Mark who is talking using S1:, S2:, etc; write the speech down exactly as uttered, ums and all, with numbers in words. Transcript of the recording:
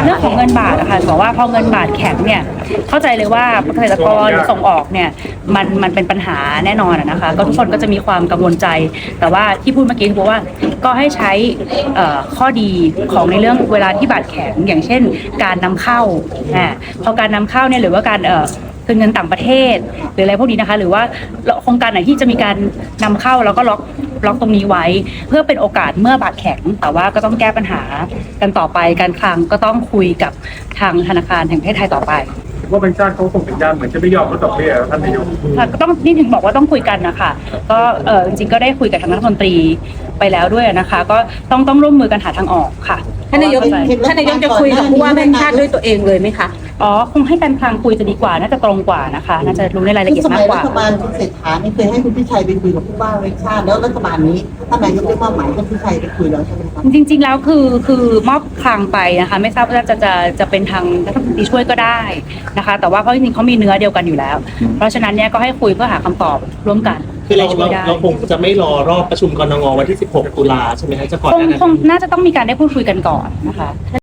S1: เรื่องของเงินบาทอะค่ะบอกว่าพอเงินบาทแข็งเนี่ยเข้าใจเลยว่าเกษตรกรส่งออกเนี่ยมันมันเป็นปัญหาแน่นอนอะนะคะก็ทุกคนก็จะมีความกังวลใจแต่ว่าที่พูดเมื่อกี้คือว่าก็ให้ใช้ข้อดีของในเรื่องเวลาที่บาทแข็งอย่างเช่นการนำเข้าอ่าพอการนำเข้าเนี่ยหรือว่าการเอ่อคืนเงินต่างประเทศหรืออะไรพวกนี้นะคะหรือว่าโครงการไหนที่จะมีการนำเข้าแล้วก็ล็อกล็อกตรงนี้ไว้เพื่อเป็นโอกาสเมื่อบาทแข็งแต่ว่าก็ต้องแก้ปัญหากันต่อไปการคลังก็ต้องคุยกับทางธนาคารแห่งประเทศไทยต่อไป
S2: ว่าแบงก์ชาติเขาส่งสัญญาณเหมือนจะไม่ยอมลดดอกเบี้ยท่านนายก
S1: ค่ะก็ต้องนี่ถึงบอกว่าต้องคุยกันนะคะก็เออจริงๆก็ได้คุยกับทางรัฐมนตรีไปแล้วด้วยนะคะก็ต้องต้องร่วมมือกันหาทางออกค่ะ
S3: ท่านนายกท่านนายกจะคุยกับผู้ว่าแบงก์ชาติด้วยตัวเองเลยไหมคะ
S1: อ๋อคงให้การคลังคุยจะดีกว่าน่าจะตรงกว่านะคะน่าจะรู้ในรายละเอียดมากกว่า
S4: รัฐบาลคุณเศรษฐานี่เคยให้คุณพิชัยไปคุยกับผู้ว่าแบงก์ชาติแล้วรัฐบาลนี้ท่านนายกได้มอบหมายให้คุณพิชัยไปคุยแล้วใช่ไหมคะ
S1: จริงๆแล้วคือคือมอบคลังไปนะคะไม่ทราบว่าจะจะจะเป็นทางรัฐมนตรีช่วยก็ได้นะคะแต่ว่าเขาจริงๆเขามีเนื้อเดียวกันอยู่แล้วเพราะฉะนั้นเนี่ยก็ให้คุยเพื่อหาคำตอบร่วมกัน
S5: คือเราเราเราคงจะไม่รอรอบประชุมกนงวันที่สิบหกตุลาใช่ไหมคะจะก่อน
S1: คงคงน่าจะต้องมีการได้พูดคุยกันก่อนนะคะ